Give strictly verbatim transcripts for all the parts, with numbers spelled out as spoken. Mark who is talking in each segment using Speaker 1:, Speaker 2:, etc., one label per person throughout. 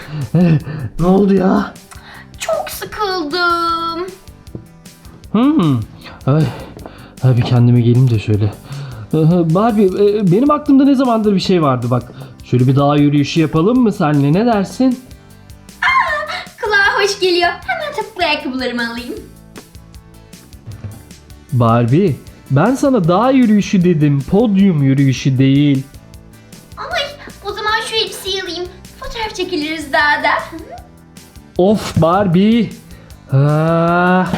Speaker 1: Ne oldu ya?
Speaker 2: Çok sıkıldım.
Speaker 1: Hmm. Ay, ay bir kendime geleyim de şöyle. Ee, Barbie, e, benim aklımda ne zamandır bir şey vardı bak. Şöyle bir dağ yürüyüşü yapalım mı senle, ne dersin?
Speaker 2: Kulağa hoş geliyor. Hemen topuklu ayakkabılarımı alayım.
Speaker 1: Barbie, ben sana dağ yürüyüşü dedim, podyum yürüyüşü değil.
Speaker 2: Ay, o zaman şu elbiseyi alayım. Fotoğraf çekiliriz daha da.
Speaker 1: Of Barbie. Ah.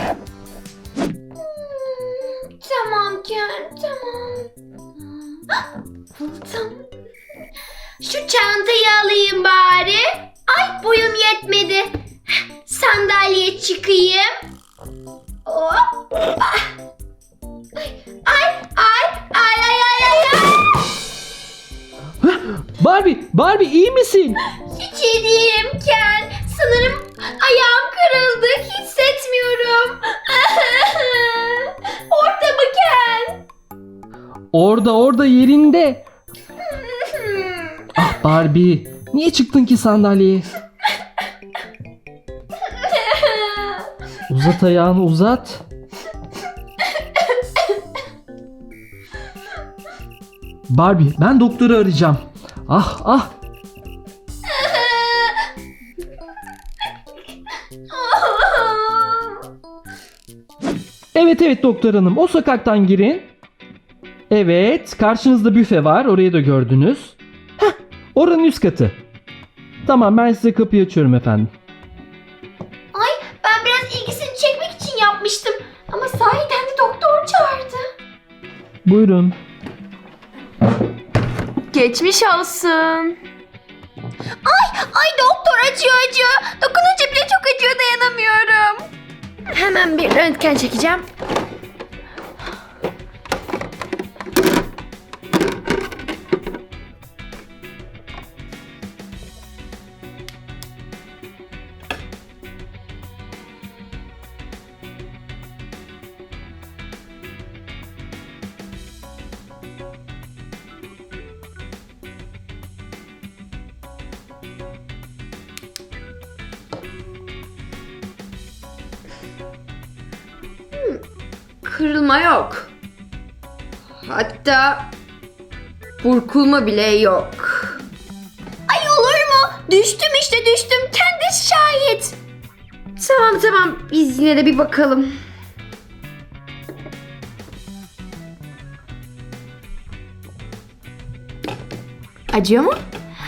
Speaker 2: Tamam Ken, tamam. Ah, buldum. Şu çantayı alayım bari. Ay, boyum yetmedi. Sandalyeye çıkayım. Hop. Ah. Ay, ay, ay, ay, ay, ay, ay.
Speaker 1: Barbie, Barbie iyi misin?
Speaker 2: Hiç iyi değilim Ken. Sanırım ayağım kırıldı. Hissetmiyorum. Orada mı Ken?
Speaker 1: Orada, orada yerinde. Ah Barbie, niye çıktın ki sandalyeye? Uzat ayağını, uzat. Barbie, ben doktoru arayacağım. Ah ah. Evet evet doktor hanım, o sokaktan girin. Evet, karşınızda büfe var, orayı da gördünüz. Heh, oranın üst katı. Tamam, ben size kapıyı açıyorum efendim.
Speaker 2: Ay, ben biraz ilgisini çekmek için yapmıştım. Ama sahiden de doktor çağırdı.
Speaker 1: Buyurun.
Speaker 3: Geçmiş olsun.
Speaker 2: Ay, ay doktor acıyor acıyor. Dokununca bile çok acıyor, dayanamıyorum.
Speaker 3: Hemen bir röntgen çekeceğim. Kırılma yok. Hatta burkulma bile yok.
Speaker 2: Ay olur mu? Düştüm işte düştüm. Kendi şahit.
Speaker 3: Tamam tamam, biz yine de bir bakalım. Acıyor mu?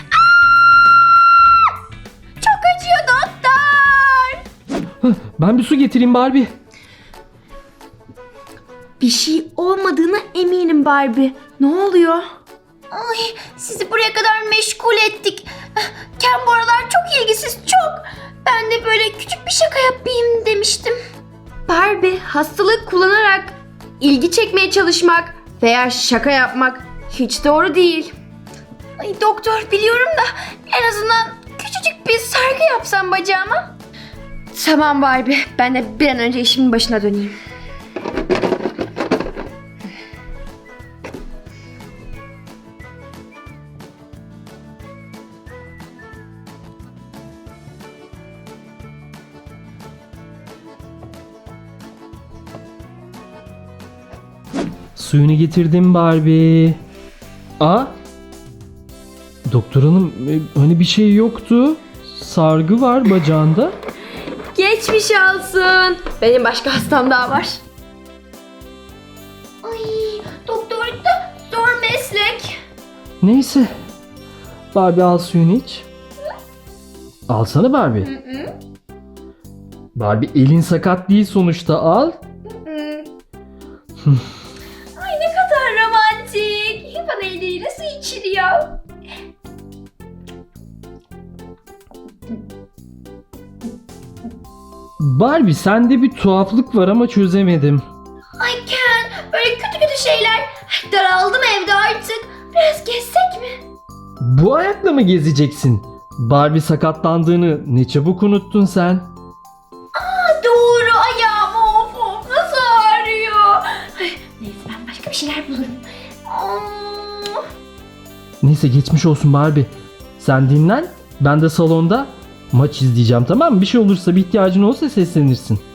Speaker 2: Çok acıyor doktor.
Speaker 1: Heh, ben bir su getireyim Barbie.
Speaker 3: Bir şey olmadığına eminim Barbie. Ne oluyor?
Speaker 2: Ay, sizi buraya kadar meşgul ettik. Ken bu aralar çok ilgisiz, çok. Ben de böyle küçük bir şaka yapayım demiştim.
Speaker 3: Barbie, hastalık kullanarak ilgi çekmeye çalışmak veya şaka yapmak hiç doğru değil.
Speaker 2: Ay doktor, biliyorum da en azından küçücük bir sargı yapsam bacağıma.
Speaker 3: Tamam Barbie, ben de bir an önce işimin başına döneyim.
Speaker 1: Suyunu getirdim Barbie. Aa? Doktor hanım, e, hani bir şey yoktu. Sargı var bacağında.
Speaker 3: Geçmiş olsun. Benim başka hastam daha var.
Speaker 2: Ay, doktorluk da zor meslek.
Speaker 1: Neyse. Barbie al suyunu iç. Alsana Barbie.
Speaker 2: Hı hı.
Speaker 1: Barbie elin sakat değil sonuçta, al.
Speaker 2: Hı. Ay ne kadar romantik. Bana elleriyle su içiriyor.
Speaker 1: Barbie sende bir tuhaflık var ama çözemedim.
Speaker 2: Ay Ken, böyle kötü kötü şeyler. Daraldım evde artık. Biraz gezsek mi?
Speaker 1: Bu ayakla mı gezeceksin? Barbie sakatlandığını ne çabuk unuttun sen.
Speaker 2: Aa, doğru, ayağım of of nasıl ağrıyor. Ay, neyse, ben başka bir şeyler bulurum. Aa,
Speaker 1: Neyse geçmiş olsun Barbie. Sen dinlen, ben de salonda maç izleyeceğim, tamam mı? Bir şey olursa, bir ihtiyacın olursa seslenirsin.